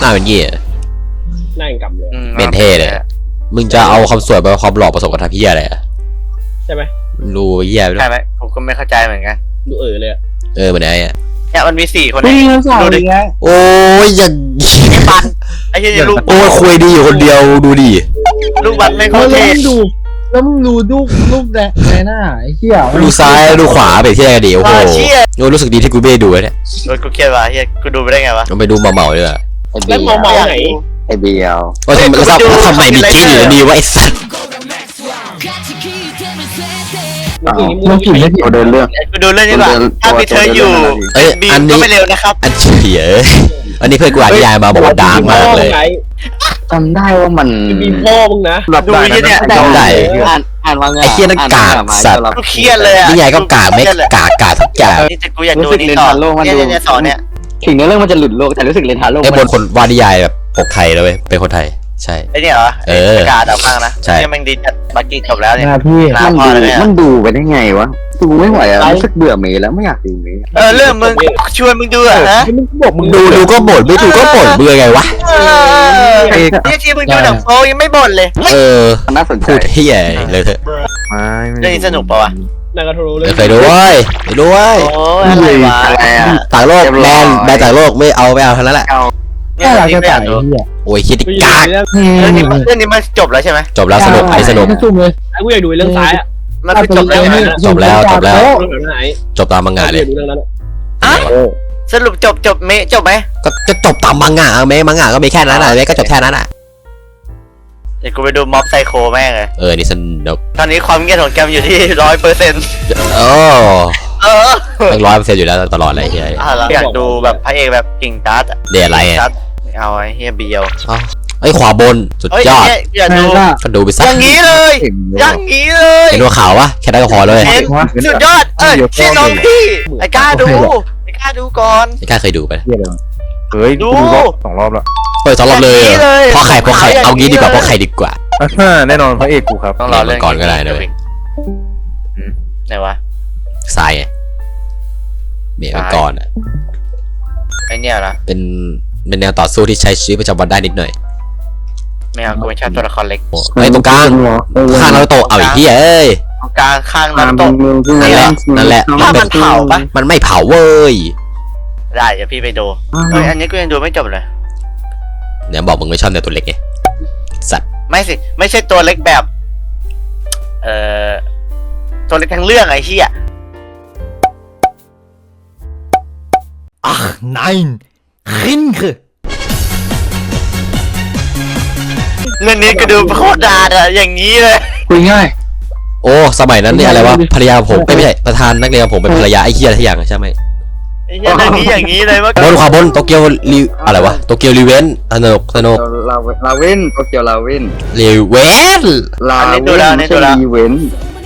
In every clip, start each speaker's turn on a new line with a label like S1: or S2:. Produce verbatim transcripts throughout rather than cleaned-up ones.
S1: น้าเป็นยี่
S2: หน้าอย่างกำเลย
S1: เป็นเท่เลยมึงจะเอาความสวยไปความหล่อผสมกับทัพพี่อะไร
S2: ใช่ไหม
S1: รู้เยี่ย
S3: ใช่ไหมผมก็ไม่เข้าใจเหมือนกัน
S2: ดูเออเลย
S1: เออเหมือนไงอ่ะ
S3: เนี่ยมันมีสี่คน
S4: นี่ดูดิ
S1: โอ้ยอย่าง
S3: ปันไอ้เหี้ยลูก
S1: โอ้ยคุยดีอยู่คนเดียวดูดิ
S3: ลูกบัตรไม่เขาเท่
S4: ดูแล้วมึงดูลูกลูกแดงในหน้าไอ้เหี้ย
S1: ดูซ้ายดูขวาไปที่ไหนดีโอ้โหโอ้รู้สึกดีที่กูไม่ดูเนี่ย
S3: โดนกูเครียดว่ะเฮียกูดูไปได้ไงวะ
S1: มันไปดูเมาเมาเลยอะ
S2: แล้วเมาเมาไหน
S4: ไอ้เบียว
S1: ว่าทำไมทำไมมีกิ๊กอยู่ดีวะไอ้สัตว์
S4: มึงกินไม่ผิดเดินเรื่อง
S3: กูดูเรื่องนี้ว่ะถ้ามีเธออยู่
S1: เอ้ยอันนี้
S3: ก็ไม่เร็วนะครับ
S1: อันเฉียอันนี้เพื่อนกูอ่านนิยายมาบอกว่าดาร์กมากเลย
S4: จำได้ว่ามัน
S2: มีพ่อมึงนะ
S3: ดูเนี่ย
S1: จำได้
S4: อ่านอ่านว่าไง
S1: ไอ้เคียนั่นกากสัตว์
S3: กูเครียดเลยอ่ะ
S1: นิยายก็กากไม่กากกากทุกอย่าง
S3: นี่แต่กูอยากดูนี่ต่อเนี่ยเนี่ยสอนเนี่ย
S4: ถึงในเรื่องมันจะหลุดโลกแต่รู้สึกเรนทาโลก
S1: ไอ้บนคนวาดนิยายแบบปกไทยแล้วเว้ยเป็นคนไทยใช่
S3: ไอ้เนี่ยเหรอ
S1: เออ
S3: การดับมากนะ
S1: ใช่
S3: เนี่ยมันดีจัดบักกี้จบแล้วเนี่ย
S4: มันดูมันดูไปได้ไงวะดูไม่ไหวอ่ะรู้สึกเบื่อเมย์แล้วไม่อยากดูเมย์
S3: เออเรื่องมึงชวนมึงดูอ่ะนะ
S1: มึงดูดูก็บ่นไม่ดูก็บ่นเบื่อไงวะ
S3: เนี่ยที่มึงดูหนังโป๊ยังไม่บ่นเลย
S1: เออ
S4: น่าสนใจ
S1: พูดเฮียเลยเถอะ
S3: เรื่องนี้สนุกปะวะ
S2: นากาโทโร่เลย
S1: ไปด้วยไปด้วย
S3: โอ้อะไรวะ
S1: ต่างโลกแมนแมนต่างโลกไม่เอาไม่เอาทั้งนั้นแหละ
S4: เนี่ยเราจะถ่าย
S1: โอ้ยคิดกาก
S3: เรื่องนี้เรื่องนี้มันจบแล้วใช่ไหม
S1: จบแล้วสนุกไอ้สนุก
S2: ไอ้กูอยากดูเรื่องซ้ายอ่ะ
S3: มันไม่จบแล้ว
S1: จบแล้วจบแล้วจบตามมังงะเลย
S3: อ่ะสรุปจบจบเมจบไหม
S1: ก็จะจบตามมังงะเมมังงะก็มีแค่นั้นแหละเมก็จบแค่นั้นอ่ะ
S3: เดี๋ยวกูไปดูม็อบไซโคแม่งเลย
S1: เออนี่สนุก
S3: ตอนนี้ความเงียบของแกมอยู่ที่ร้อยเปอร์เซ็นต์
S1: โอ้
S3: เออ
S1: ตั้งร้อยเปอร์เซ็นต์อยู่แล้วตลอดเลยเฮีย
S3: อยากดูแบบพระเอกแบบกิ่งการ์ด
S1: เดี๋ยวอะไรอ่ะ
S3: เอาไอ้เฮียเบียว
S1: ไอ้ขวาบนสุดยอด
S3: อยากดู
S1: ก็ดูไปซะ
S3: อย่างนี้เลยอย่างนี้เลย
S1: เห็นว่าขาววะแค่ได้ก็พอเลย
S3: สุดยอดเออพี่น้องพี่ไอ้กล้าดูไอ้กล้าดูก่อน
S1: ไอ้กล้าเคยดูไป
S4: เฮ้ย
S3: ดู
S4: สองรอบแล้ว
S1: เปิดสองรอบเลยเพราะใครเพราะใครเอางี้ดีกว่าเพราะใครดีกว่า
S4: แน่นอนพระเอกกูครับ
S1: ต้องรอเรื่องก่อนก็ได้นะเว้ย
S3: ไหนวะ
S1: ทรายไงเบียร์ก่อนอ่ะ
S3: ไอเนี่ยนะ
S1: เป็นเป็นแนวต่อสู้ที่ใช้ชีวิตประจำวันได้นิดหน่อย
S3: ไม่เอากูไม่ชอบตัวละครเล็ก
S1: ไอ้ตรงกลางข้างนารูโตะเอาอีกที่เอ้ย
S3: ตรงกลางข้างนารูโตะ
S1: นั่นแหละนั่นแหละ
S3: ถ้ามันเผาปะ
S1: มันไม่เผาเว้ย
S3: ได้เดี๋ยวพี่ไปดูเฮ้ยอันนี้กูยังดูไม่จบเลย
S1: เดี๋ยวบอกมึงไม่ชอบแนวตัวเล็กไงสัตว์
S3: ไม่สิไม่ใช่ตัวเล็กแบบเอ่อตัวเล็กทั้งเรื่องไอ้เหี้ย
S1: Ach nein Rinke
S3: เรื่องนี้ก็ดูโคตรดาดอะอย่างนี้เลย
S4: คุยง่าย
S1: โอ้สมัยนั้นเนี่ยอะไรวะภรรยาผมไม่ใช่ประธานนักเรียนผมเป็นภรรยาไอ้เหี้ยอะไรอย่างใช่ไหม
S3: ไอ้เหี้ยเรื่องนี้อย่างนี้เลยว่า
S1: บนขวาบนโตเกียวรีอะไรวะโตเกียวรีเวนสนุกสนุก
S4: ลาเวนโตเกียวลาเวน
S1: รีเวน
S4: ลาเวนไม่ใช่รีเวน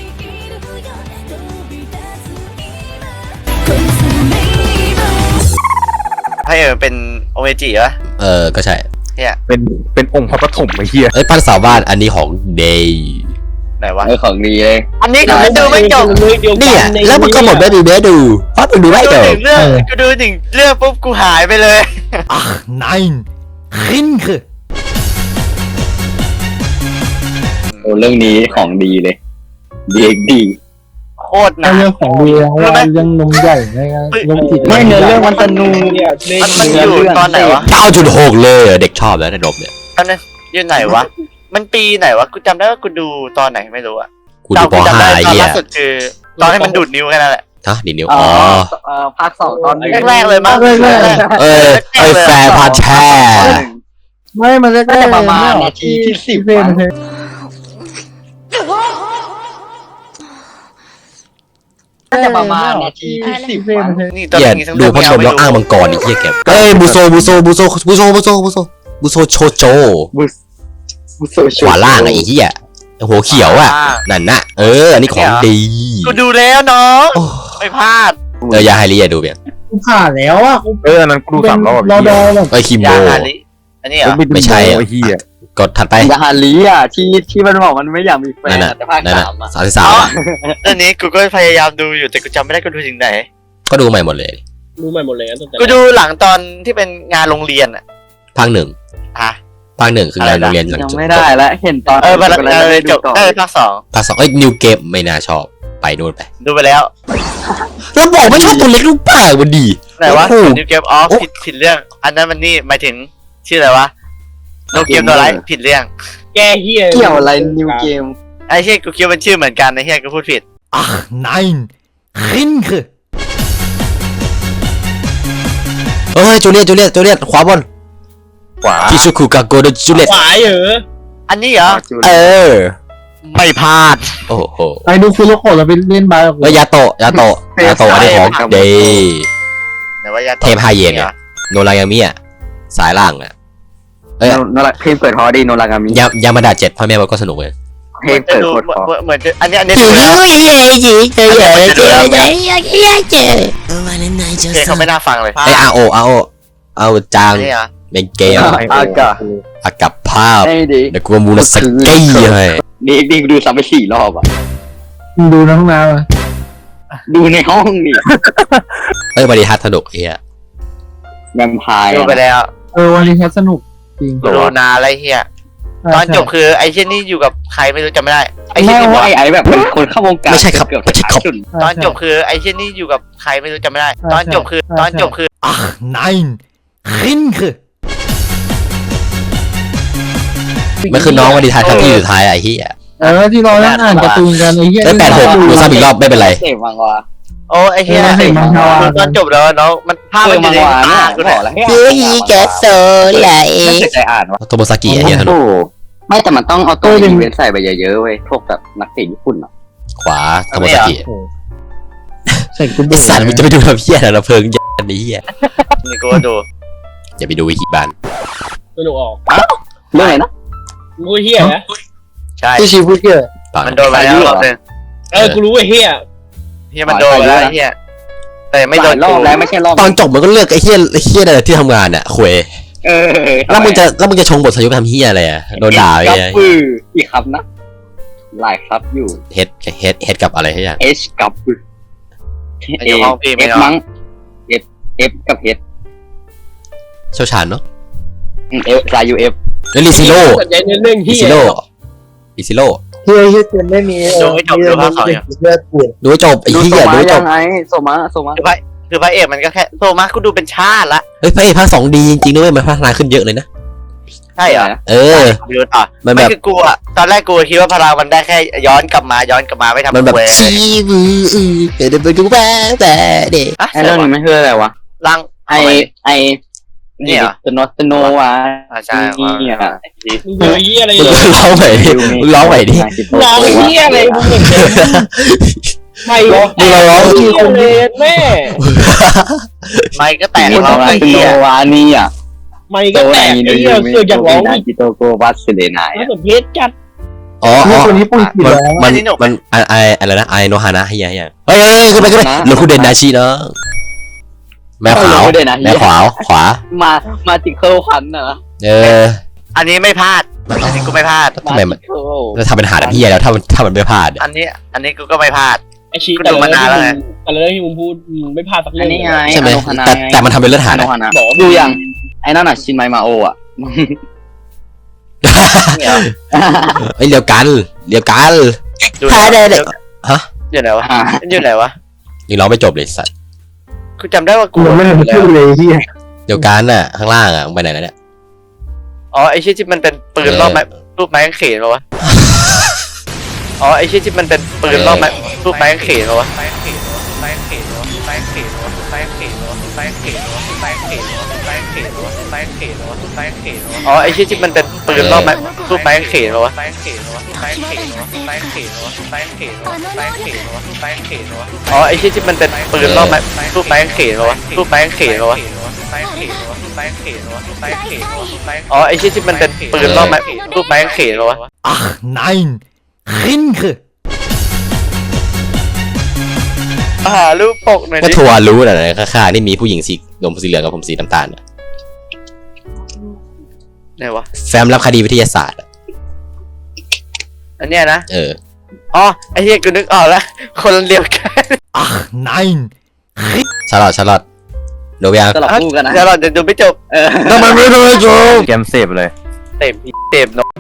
S3: ให้เออเป็นโอเมจิวะ
S1: เออก็ใช่
S3: เฮีย
S4: เป็นเป็นองค์พระปฐมไอ้เฮีย
S1: ไอ้ปั้นสาวบ้านอันนี้ของเดย์
S3: ไหนวะ
S4: ไอ้ของดีเลย
S3: อันนี้กูดูไม่จบ
S1: เนี่ยแล้วมันก็หมดไม่ดูเบสดูเพราะมึงดูไม่จบ
S3: เรื่องกูดูหนึ่งเรื่องปุ๊บกูหายไปเลย
S1: อ่ะ nein Rinke
S4: โอ้เรื่องนี้ของดีเลยดีดี
S3: โคตรนะ
S4: เรื่องของดีแล้วยังนมใหญ่ไงนมจิตไม่เนื้อเรื่องมันสนุก
S3: มันอยู่ตอนไหนวะ
S1: เก้าจุดหก เลยเด็กชอบแล้วในนมเนี่ย
S3: ตอนนั้นอยู่ไหนวะมันปีไหนวะกูจำได้ว่ากูดูตอนไหนไม่รู้อะ
S1: กูดูป.ห้า ไอ้เหี้ย
S3: ล่าสุดคือตอนให้มันดูดนิ้วแค่นั้นแหละ
S1: ฮะดีดนิ้วอ๋อ
S4: ภาคสองตอน
S3: แรกๆเลยมั้ง
S1: เออไอ้แฟร์พาแชร์
S4: ไม่มันแรกๆประมาณนาทีที่สิบน่าจะประมาณนาทีที่สิบ
S3: นี่
S1: ตอนนี้ดูพัดลมแล้วอ้างมังกรอีกเหี้ยแกเอ้ยบูโซบูโซบูโซบูโซบูโซบูโซบูโซโชโจขวาล่างไอ้เหี้ยหัวเขียวอ่ะนั่นน่ะเอออันนี้ของดี
S3: กูดูแล้วน้องไม่พลาด
S1: เออยาไฮรีอะดูเบีย
S4: กูผ่านแล้วอ่ะ
S1: เออนั้นกูดูสามรอบรอดอไอ้คิมโบ
S3: อันนี้เหรอ
S1: ไม่ใช่ไอ้เหี้ยกดถัดไป
S4: ยาฮารีอ่ะที่ที่มันบอกมันไม่อยากมีแฟนแต่ภาคสามอ่ะ
S1: สามสิบสาม
S3: อันนี้กูก็พยายามดูอยู่แต่กูจำไม่ได้กูดูถึงไหน
S1: ก็ดูใหม่หมดเลย
S2: ดูใหม่หมดเลย
S3: กูดูหลังตอนที่เป็นงานโรงเรียนอ่ะ
S1: ภภาคหนึ่ง
S3: ฮะ
S1: ภาคหนึ่งคืองานโรงเรียนหลัง
S4: ยัง
S1: จบ
S4: ไม่ได้แล้วเห็นตอน
S3: เออภาค
S4: กำลัง
S3: เอ
S4: จะ
S3: อ
S4: ได้
S3: จ
S4: ดู
S3: บ
S4: ต่อ
S3: ได้ภาคสอง
S1: ภาคสองเอ้ยนิวเกมไม่น่าชอบไปนู่นไป
S3: ดูไปแล้ว
S1: เราบอกไม่ชอบตัวเล็กลูกป่าวันดี
S3: ไหนวะ
S1: โอ้โห
S3: นิวเกมออฟผิดผิดเรื่อง อันนั้นมันนี่หมายถึงชื่ออะไรวะโนเกมตัวไรผิดเรื่อง
S2: แกเฮีย
S4: เกี่ยวอะไรนิวเกม
S3: ไอ้เฮียกูคิดว่ามันชื่อเหมือนกันไอ้เฮียกูพูดผิด
S5: Ach nein, Rinke.
S1: เฮ้ยจูเลียตจูเลียตจูเลียตขวาบน
S3: ขวา
S1: คิชูคุกาโกโดจูเลียต
S2: ขวายเหรอ
S3: อันนี้เหรอ
S1: เออ
S3: ไม่พลาด
S1: โอ้โห
S6: ไปดูคุโรโกะแล้วไปเล่นบาร์กับกู
S1: แล้วยาโตะยาโตะยาโตะอันนี้ของเดย์
S3: ไหนว่ายา
S1: เทพไฮเย็นเนี่ย โนรายามิอ่ะสายล่างอ่ะเอ้ย
S4: โนราเพลงเปิดฮอดีโนรากามิ
S1: ยายามาดาเจ็ดพ่อแม่มันก็สนุกเลย
S4: เพล
S3: เหมื
S4: ง
S3: อนจะ
S4: เปิด
S3: ดู
S4: โคตรฮอ
S3: เหมือนจะอันนี้อันนี้
S1: เฮ้
S3: ดู
S1: ย
S3: แล้ว
S1: เฮ้ยเฮ้ยเฮ้ยเฮ้ยเฮ้ยเฮ้ยเฮ้ยเฮ้ย
S3: เพลงเขาไม่น่าฟังเลย
S1: ไออาโออาโอเอาจาง
S3: อันนี้เหรอ
S1: เป็นเกม
S4: อากา
S1: อากับภาพ
S4: ไอ้ดี
S1: เดี๋ยวกูมูลสกี้ให้
S4: ดีดีดูซ้ำไปสี่รอบอ่ะ
S6: มึงดูในห้องน้ำอ่ะ
S4: ดูในห้องนี่
S1: เอ้ยบริฮัทสนุกเฮีย
S4: แวมไพร์
S3: ดูไปแล้ว
S6: เออวันนี้แคสสนุกจริง
S3: ดูนาอะไรเฮียตอนจบคือไอ้เช่นนี่อยู่กับใครไม่รู้จำไม่ได้ไอ้เช่
S4: ไม่
S3: นนี่บอก
S4: ว่าไอ้ไอ้แบบเป็นคนเข้าวงการ
S1: ไม่ใช่ครับ
S4: เกือบ
S1: ไม่ใช่ครับ
S4: จุด
S3: ตอนจบคือไอ้เช่นนี่อยู่กับใครไม่รู้จำไม่ได้ ตอนจบคือตอนจบคือ
S5: Ach nein, Rinke.
S1: มันคือน้องวันดีท้ายครับที่สุดท้ายอะไอ้เฮีย
S6: เออที่เรานั่งอ่านการ์ตูนกันไอ้เหี้ย
S1: ได้แปดหกดูซ้ำอีกรอบไม่เป็นไร
S4: เสพมังวะ
S3: โอ้ไอ้เฮีย
S6: เออเห็นมังวะ
S3: คือตอนจบแล้วน้องมันภาพ
S4: เอ
S3: มั
S4: อน
S3: อ
S4: มั
S3: ยู่
S4: ง
S3: ใน
S4: วะ
S3: ตา
S4: เนี่ย
S3: กู
S4: บ
S3: เนี่
S4: อก
S3: ย
S4: แล้วให้อ่าน
S1: โซไหล
S4: ไม่เคยใจอ่านวะ
S1: โทโมซากิอะเฮียสนุก
S4: โอ้ไม่แต่มันต้องเอาตัวอีเวนต์ใส่ไปเยอะๆเว้ยพวกแบบนักเตะญี่ปุ่นอ่ะ
S1: ขวาโทโมซากิ
S6: ใส่กู
S1: ไอ
S6: เบื่อ
S1: สัตว์มึงจะไปดูทำเฮียอะไรนะเพลิงยันนี้เฮีย
S3: นี่กูก็ดู
S1: อย่าไปดูวิกิบาน
S2: สนุกออก
S4: เรื่องอะไรนะ
S2: มึงก็เฮียนะ
S3: ใช่
S6: ที่ชีพูดเยอะ
S1: เปล่า
S3: มันโดนไปแล้วรอบนึง
S2: เออกูรู้ไอ้เฮีย
S3: เฮียมันโดนไปแล้วไอ้เฮียแต่ไม่โดน
S4: รอบแล้วไม่ใช่รอบ
S1: ตอนจบมันก็เลือกไอ้เฮียไอ้เฮียอะไรที่ทำงานอะควย
S4: เออ
S1: แล้วมึงจะแล้วมึงจะชงบทสยุไปทำเฮียอะไรอะโดนด่าไอ้
S4: กับ
S1: เฮีย
S4: ปืออีกครับนะหลายครับอยู่
S1: เฮดเฮดเฮดกับอะไรเฮีย
S4: H กับปือ
S3: ไอ้ห้องพี่ไม่
S4: F
S3: เอา
S4: มั้ง F F กับ H
S1: เชี่ยวชาญเนาะ
S4: อืม F ลาย U F
S1: แล้วลิซิโร่
S2: สนใจเรื่อง
S1: ลิ
S2: เฮีย
S1: ซิโร่ลิซิโร่
S6: เฮียเฮียเต็มไม่มี
S3: ดูให้จบดูภาคสองอย่าง
S6: เลือดปวด
S1: ดูให้จบไอ้
S4: ดู
S1: เฮี
S4: โซ
S1: ยดู
S4: มา
S1: ให้จ
S4: ยั
S1: บ
S4: งไงโซมาโซมา
S3: คือพระคือพระเอกมันก็แค่โซมากูดูเป็นชาติละ
S1: เฮ้ยพระเอกภาคสองดีจริงๆนะเว้ยมันพัฒนาขึ้นเยอะเลยนะ
S3: ใช่เหรอ
S1: เออ
S3: ดูต่อ
S1: มัน
S3: ไม่
S1: แบบ
S3: คือกูอะตอนแรกกูคิดว่าพลังมันได้แค่ย้อนกลับมาย้อนกลับมาไม่ทำ
S1: มันแบบ
S3: เว
S1: ชีวืออือเดี๋ยวไปดูแบ๊แบ๊เด็ก
S3: อะ
S4: ไอเรื่องนี้มันคืออะไรวะ
S3: ลัง
S4: ไอไอ
S3: เนี่ยเหรอ
S4: สโนสโนวะ
S3: อ่าใช่
S4: นี่อ่ะ
S2: มึงดูเฮียอะไร
S1: มึง
S2: เลย
S1: ร้องใหม่ดิมึงร้องใหม่ดิ
S2: ร้องเฮียอะไรมึงเหมือนเดิมไม่ร้อง
S1: มึงร้อง
S2: เฮียเลยแม่
S3: ไม่ก็แตก
S4: สโน
S3: ร้อง
S4: วะ
S3: ไอ้
S4: สโน
S3: เหี้ยว
S4: ะนี่อ่ะ
S2: ไม่ก็แตกไอ้เฮียเสือกอยากร้องอีก
S4: จิโตโกวัสเลนาย
S2: น่าสนเพชจัด
S1: อ๋อ
S6: เฮี
S1: อ๋
S6: ย
S1: อ
S6: คนนี้ปุ่นกี่
S1: มัน
S6: แล้ว
S1: มันมันไอไออะไรนะไอโนฮานะเฮียเฮียเฮ้ยเฮ้ยขึ้นไปขึ้นไปหลุดคูเดนนาชิเนาะแม่ขาวแม่ขวาขวา
S4: มามาจิเคิลคันน่ะ
S1: เออ
S3: อันนี้ไม่พลาดอันนี้กูไม่พลาด
S1: ทำไมมัน
S4: จิเคิล
S1: จะทำเป็นหาดเฮียแล้วถ้ามันถ้ามันไม่พลาด
S3: อันนี้ อันนี้กูก็ไม่พลาด
S2: ไอชี
S3: กู
S2: แต่
S3: ดู
S2: ละ
S3: มานานแล้วไง
S2: แต่ละเรื่องที่มึงพูดมึงไม่พลาดสัก
S4: อั
S2: เรื่
S4: น
S2: อง
S4: นี้ไง
S1: ใช่ไหม
S4: อโนฮานะ
S1: แต่แต่มันทำเป็นเลือดหา
S4: อ
S1: ด
S4: โน
S1: อะ
S4: ฮานะ
S2: บอกว่า
S4: ดูยังไอ้นั่นน่ะชินไมมาโออ่ะ
S3: เนี่ย
S1: เฮ้ยเรียวกันเรียวกัน
S3: ดู
S1: พาได้เลยฮะ
S3: อยู่ไหนวะ
S4: อ่า
S3: มันอยู่ไหนวะ
S1: ยังร้องไม่จบเลยสัตว์
S3: กูจำได้ว่ากู
S6: กูยังไม่ทันพูดเลยเฮีย
S1: เรียวกันน่ะข้างล่างอ่ะมึงไปไหนแล้วเนี่ย
S3: อ๋อไอ้ชิ้นที่มันเป็นปืนรอบไม้รูปไม้กางเขนปะวะอ๋อไอ้ชิ้นที่มันเป็นปืนรอบไม้รูปไม้กางเขนปะวะไม้กางเขนไม้กางเขนไม้กางเขนไม้กางเขนไม้กางเขนไม้กางเขนไม้กางเขนไม้กางเขนไม้กางเขนอ๋อไอ้ชิ้นที่มันเป็นปืนรอบไม้รูปไม้กางเขนปะวะไม้กางเขนไม้กางเขนไม้กางเขนไม้กางเขนไม้กางเขนไม้กางเขนอ๋อไอ้ชิ้นที่มันเป็นปืนรอบไม้รูปไม้กางเขนปะวะรูปไม้กางเขนปะวะไม้กางเขนไม้กางเขนไม้กางเขนอ๋อไอ้ชิ้นที่มันเป็นปืนรอบไม้รูปไม้กางเขนปะวะ
S5: Ach nein, Rinke.
S3: หารูปปกหน่อย
S1: ก็
S3: ดิ
S1: ทัวร์รู้น่ะนะข้างๆนี่มีผู้หญิงสีนมสีเหลืองกับผมสีน้ำตาลน่ะ
S3: ไหนวะ
S1: แฟ้มรับคดีวิทยาศาสตร์อะ
S3: อันเนี้ยนะ
S1: เออ
S3: อ๋อไอ้เหี้ยกูนึกออกแล้วคนเดียวกัน
S5: Ach nein,
S1: ชาร์ลอตชาร์ลอตดูยัง
S4: สลับคู่กันนะ
S3: เดี๋ยวเราเดี๋ยวดูไม่จบ
S4: เออ
S1: ทำไมไม่ดูจบ
S7: เกมเสพเลย
S3: เต็มเต็มเนาะ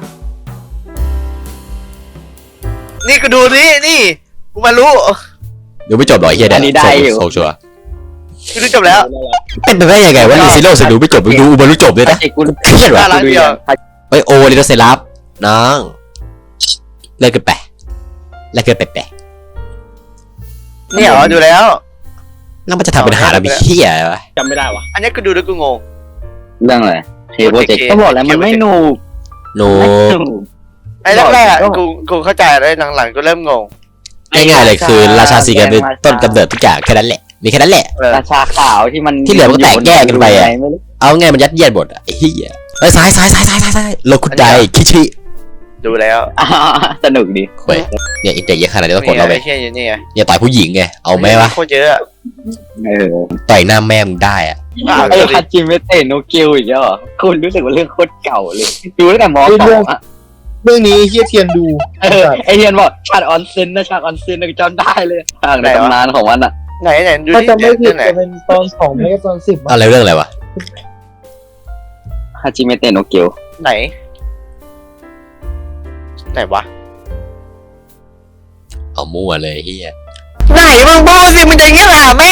S3: นี่กูดูนี่นี่กูมารู้
S1: ดูไม่จบหรอไอ้เฮียเนี่ยโซชัว
S3: กูดูจบแล้ว
S1: เป็นไปได้ยังไงวะรีซิโร่จะดูไม่จบดูอุบารุจบเลยนะ
S4: ไอ้กู
S1: เครียดว่ะ
S3: น่ารักเดียว
S1: เฮ้ยโอลิโดเซรับน้องเลิกกันไปเลิกกันไปแปะ
S3: นี่เหรอดูแล้ว
S1: แล้วมันจะทำเป็นหาแล้วมีเฮียอะไรวะ
S6: จำไม่ได้วะ
S3: อันนี้กูดูแล้วกูงง
S4: เรื่องอะไรเทโปรเจกต์
S6: ก็บอกแล้วมันไม่หนู
S1: โน
S3: ไอ้แรกๆอะกูกูเข้าใจแล้วหลังๆกูเริ่มงง
S1: ง่ายๆเลยคือราชาซีกันเป็นต้นกำเนิดทุกอย่างแค่นั้นแหละมีแค่นั้นแหละ
S3: เออ
S4: ราชาขาวที่มัน
S1: ที่เหลือมันก็แตกแยกกันไปอะ
S4: ไม่รู้
S1: เอาไงมันยัดเยียดหมดอะไอ้เหี้ยเอ้ยซ้ายซ้ายซ้ายซ้ายซ้ายซ้ายโลคุดไดคิชิ
S3: ดูแล้ว
S4: อ่าสนุกดี
S1: เฮ้ยเนี่ยอินเตอร์เยอะขนาดนี้ต้องกดเราไป
S3: ไอ้เชี่ยอยู่นี่ไง
S1: อย่าต่อยผู้หญิงไงเอาไหมวะ
S3: โคตรเยอะอะ
S4: เออ
S1: ต่อยหน้าแม่มึงได้อะ
S3: อ่ะ
S4: ไอ้
S3: ดูดิ
S4: คาจิเมเตะโนเกียวอีกแล้วเหรอคุณรู้สึกว่าเรื่องโคตรเก่าเลยดูตั้งแต่มสองอะ
S6: เรื่องนี้เฮียเทียนดู
S4: เออไอเทียนบอกฉากออนเซนนะฉากออนเซนนะจำได้เลยฉากในตำนานของมันอะ
S3: ไหนไหนดู
S6: ถ้า
S3: ดิ
S6: จำไม่ผิ
S3: เรื่
S6: ด
S3: องไหน
S6: จะเป็นตอนสองไม่ก็ตอนสิบ
S1: อะไรเรื่องอะไรวะ
S4: คาจิเมเตะโนเกียว
S3: ไหน ไหนวะ
S1: เอามั่วเลยเฮีย
S3: ไหนมึงพูดสิมึงจะเงี้ยหาแม่